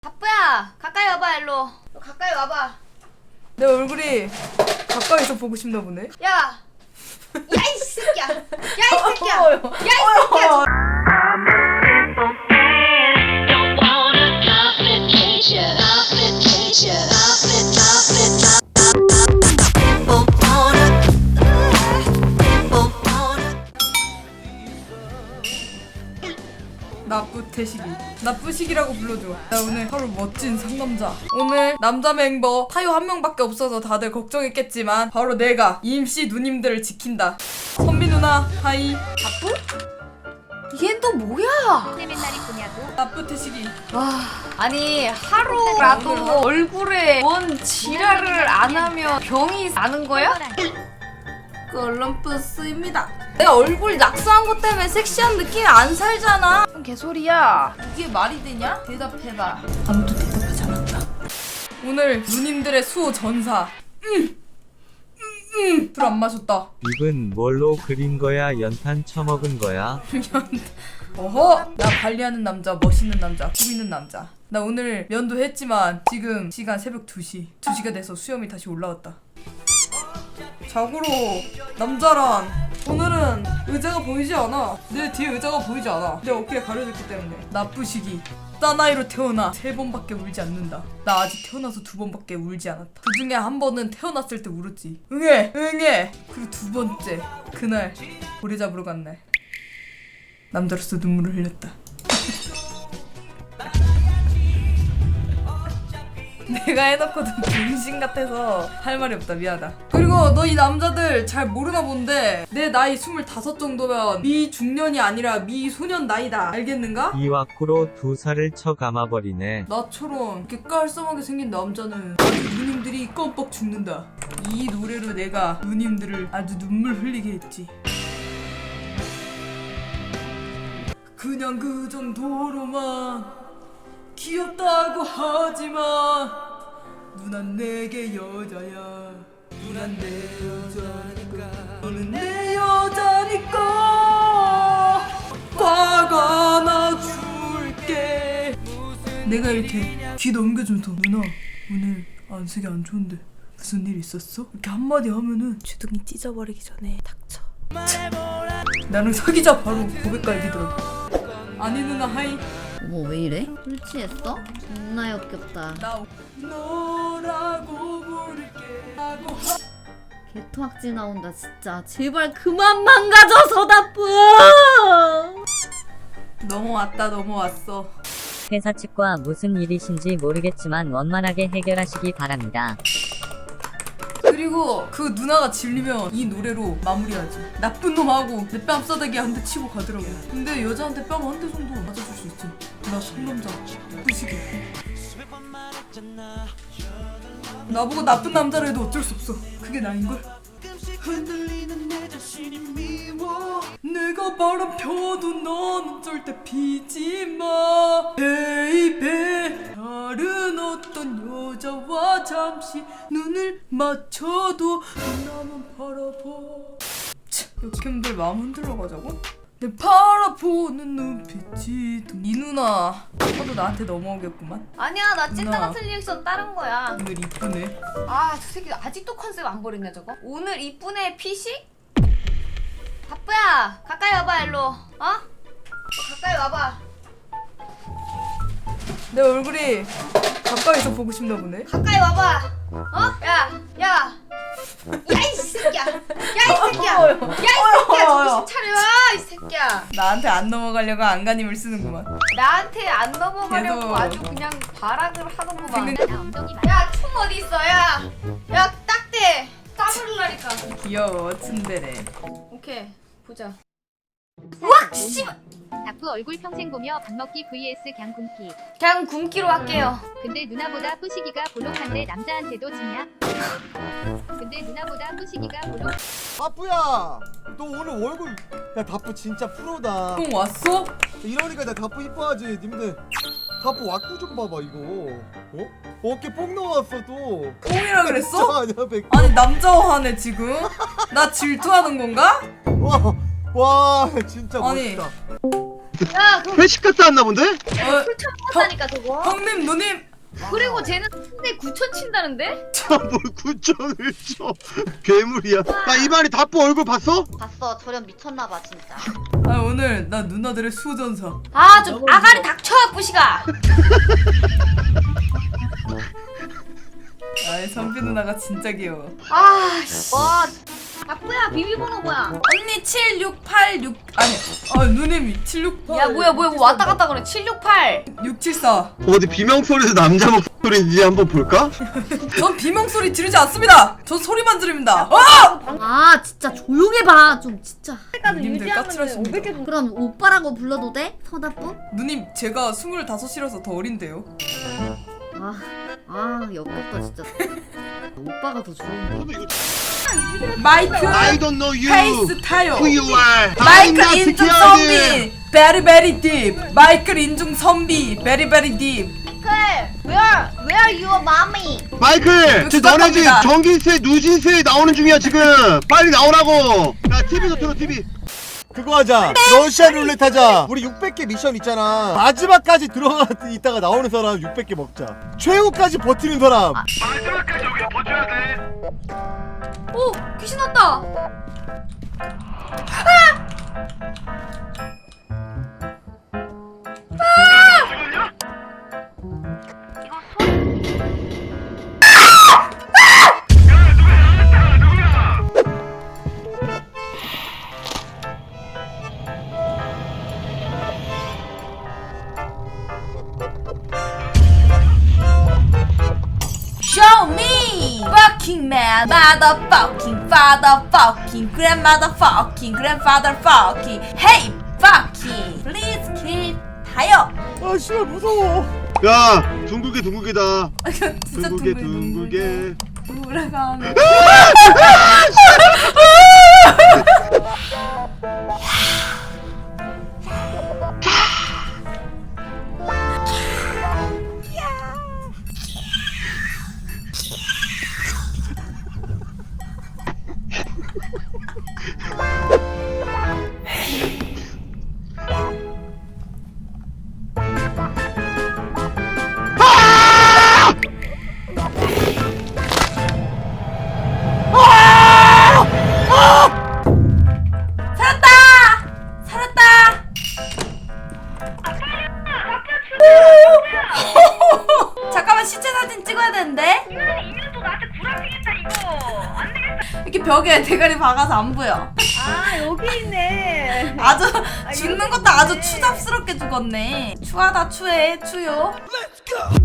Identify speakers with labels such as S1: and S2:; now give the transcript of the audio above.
S1: 바쁘야, 가까이 와봐. 일로 너 가까이 와봐.
S2: 내 얼굴이 가까이서 보고 싶나 보네.
S1: 야 이 새끼야, 야 이 새끼야, 야 이 새끼야.
S2: 나쁘태식이, 나쁘식이라고 불러줘. 나 오늘 하루 멋진 상남자. 오늘 남자 멤버 타요 한 명밖에 없어서 다들 걱정했겠지만 바로 내가 임씨 누님들을 지킨다. 선비 누나 하이.
S1: 바쁘? 얘 또 뭐야?
S3: 맨날 이쁘냐고.
S2: 나쁘태식이.
S1: 와, 아니 하루라도 얼굴에 뭔 지랄을 안 하면 병이 나는 거야?
S2: 컬럼푸스입니다. 내가 얼굴 낙서한 것 때문에 섹시한 느낌이 안 살잖아.
S1: 뭔 개소리야?
S2: 이게 말이 되냐? 대답해봐. 아무도 대답하지 않았다. 오늘 누님들의 수호 전사. 술 안 마셨다.
S4: 입은 뭘로 그린 거야? 연탄 처먹은 거야?
S2: 어허! 나 관리하는 남자, 멋있는 남자, 꾸미는 남자. 나 오늘 면도 했지만 지금 시간 새벽 2시. 2시가 돼서 수염이 다시 올라왔다. 자고로 남자란 오늘은 의자가 보이지 않아. 내 뒤에 의자가 보이지 않아. 내 어깨에 가려졌기 때문에. 나쁘시기. 사나이로 태어나 3번밖에 울지 않는다. 나 아직 태어나서 2번밖에 울지 않았다. 그 중에 한 번은 태어났을 때 울었지. 응애! 응애! 그리고 2번째 그날 고래 잡으러 간 날 남자로서 눈물을 흘렸다. 내가 해놓고도 병신 같아서 할 말이 없다. 미안하다. 그리고 너 이 남자들 잘 모르나 본데 내 나이 25 정도면 미중년이 아니라 미소년 나이다. 알겠는가?
S4: 이 와꾸로 2살을 쳐 감아버리네.
S2: 나처럼 이렇게 깔쌈하게 생긴 남자는 아주 누님들이 껌뻑 죽는다. 이 노래로 내가 누님들을 아주 눈물 흘리게 했지. 그냥 그 정도로만 귀엽다고 하지만 누난 내게 여자야. 누난 내 여자니까. 너는 내 여자니까. 화가 나줄게. 내가 이렇게 귀 넘겨주면서 누나 오늘 안색이 안 좋은데 무슨 일 있었어? 이렇게 한마디 하면은 주둥이 찢어버리기 전에 닥쳐. 나는 사귀자 바로 고백 갈기더라고. 아니 누나 하이.
S3: 어머 왜 이래? 술 취했어? 존나 역겹다.
S2: 나 너라고 부를게 하고.
S3: 개토악질 나온다 진짜. 제발 그만 망가져서 나쁘.
S2: 넘어왔다. 넘어왔어.
S5: 회사 측과 무슨 일이신지 모르겠지만 원만하게 해결하시기 바랍니다.
S2: 그리고 그 누나가 질리면 이 노래로 마무리하지. 나쁜 놈하고 내 뺨 싸대기 한 대 치고 가더라고. 근데 여자한테 뺨 한 대 정도 맞아줄 수 있지. 나 상남자 뿌시게. 나보고 나쁜 남자라 해도 어쩔 수 없어. 그게 나인걸? 흔들리는 내 자신이 미워. 내가 바람 펴도 넌 절대 피지 마. 베이베. 다른 어떤 여자와 잠시 눈을 맞춰도 나만 바라봐. 역캠들 마음 흔들러 가자고? 내 바라보는 눈빛이 이 누나 아까도 나한테 넘어오겠구만.
S1: 아니야, 나 찐따
S2: 누나.
S1: 같은 리액션 다른 거야.
S2: 오늘 이쁘네.
S1: 아, 저 새끼 아직도 컨셉 안 버렸냐 저거? 오늘 이쁜애 피식? 바쁘야, 가까이 와봐. 일로 가까이 와봐.
S2: 내 얼굴이 가까이서 보고 싶나 보네.
S1: 가까이 와봐. 야 이 새끼야, 야 이 새끼야, 야 이 새끼야, 정신 차려. 이 새끼야,
S2: 나한테 안 넘어가려고 안간힘을 쓰는구만.
S1: 나한테 안 넘어가려고
S2: 계속.
S1: 아주 그냥 발악을 하는구만.
S3: 나 엉덩이 말.
S1: 야, 총 어디 있어? 야 딱대 까불라니까.
S2: 귀여워 츤데레.
S1: 오케이, 보자.
S3: 와 씨발. 닭부 얼굴 평생 보며 밥 먹기 vs 갱 굶기.
S1: 그냥 굶기로 할게요.
S3: 근데 누나보다 뿌시기가 볼록한데 남자한테도 지냐? 근데 누나보다 뿌시기가 볼록.
S6: 다뿌야, 너 오늘 얼굴 야 다뿌 진짜 프로다.
S2: 형 왔어?
S6: 이러니까 나 다뿌 이뻐하지. 님들 다뿌 왁구 좀 봐봐 이거. 어깨 뽕 나왔어 또.
S2: 뽕이라 그랬어?
S6: 아니야 백.
S2: 아니 남자화하네 지금? 나 질투하는 건가?
S6: 와 진짜
S2: 아니.
S6: 멋있다.
S1: 야 그거
S6: 회식 갔다 왔나 본데?
S2: 어,
S1: 술 처먹었다니까 저거.
S2: 형님 누님
S1: 그리고 쟤는 근데 9천 친다는데?
S6: 뭘 9천을 쳐. 괴물이야. 야 이만희 다뿌 얼굴 봤어?
S7: 봤어. 저렴 미쳤나봐 진짜.
S2: 아 오늘 나 누나들의 수호전사.
S1: 아 좀 아가리 닥쳐 뿌시가.
S2: 아이 선비 누나가 진짜 귀여워.
S1: 아씨. 와. 아뿌야 비밀번호 뭐야?
S2: 언니 7686 아니 누님이 76
S1: 야 뭐야 뭐 왔다 갔다 그래. 768.
S2: 674.
S6: 어디 비명소리에서 남자 목소리인지 한번 볼까?
S2: 전 비명소리 지르지 않습니다. 전 소리만 지릅니다.
S8: 아 진짜 조용히 봐. 좀 진짜.
S2: 누님들 까칠하십니다.
S8: 그럼 오빠라고 불러도 돼? 서다뿌?
S2: 누님 제가 25이라서 더 어린데요.
S8: 아 역겹다 진짜. 오빠가 더 좋은데.
S2: 마이크
S6: I don't know you.
S2: 페이스 타요.
S6: Who you are? I'm
S2: 마이클
S6: not
S2: 인중
S6: scared.
S2: 선비 베리 베리 딥. 마이클 인중 선비 베리 베리 딥.
S7: Where your mommy?
S6: 마이클, 지금 너네 집
S2: 수박합니다.
S6: 전기세, 누진세 나오는 중이야 지금. 빨리 나오라고. 야 TV도 틀어 TV. 그거 하자. 러시안 룰렛 하자. 우리 600개 미션 있잖아. 마지막까지 들어가 있다가 나오는 사람 600개 먹자. 최후까지 버티는 사람.
S1: 오 귀신 왔다.
S2: Show me fucking man, motherfucking father, fucking grandmother, fucking grandfather, fucking hey, fucking please kill 타요.
S6: 아 씨발 무서워. 야 둥글게다.
S2: 진짜
S6: 둥글게.
S2: 돌아가면. 살았다. 잠깐만 시체 사진 찍어야 되는데.
S1: 이년도 나한테 구라치겠다 이거. 안 되겠다.
S2: 이렇게 벽에 대가리 박아서 안 보여.
S1: 아 여기 있네.
S2: 아주 죽는 것도 아주 추잡스럽게 죽었네. 추하다 추해 추요.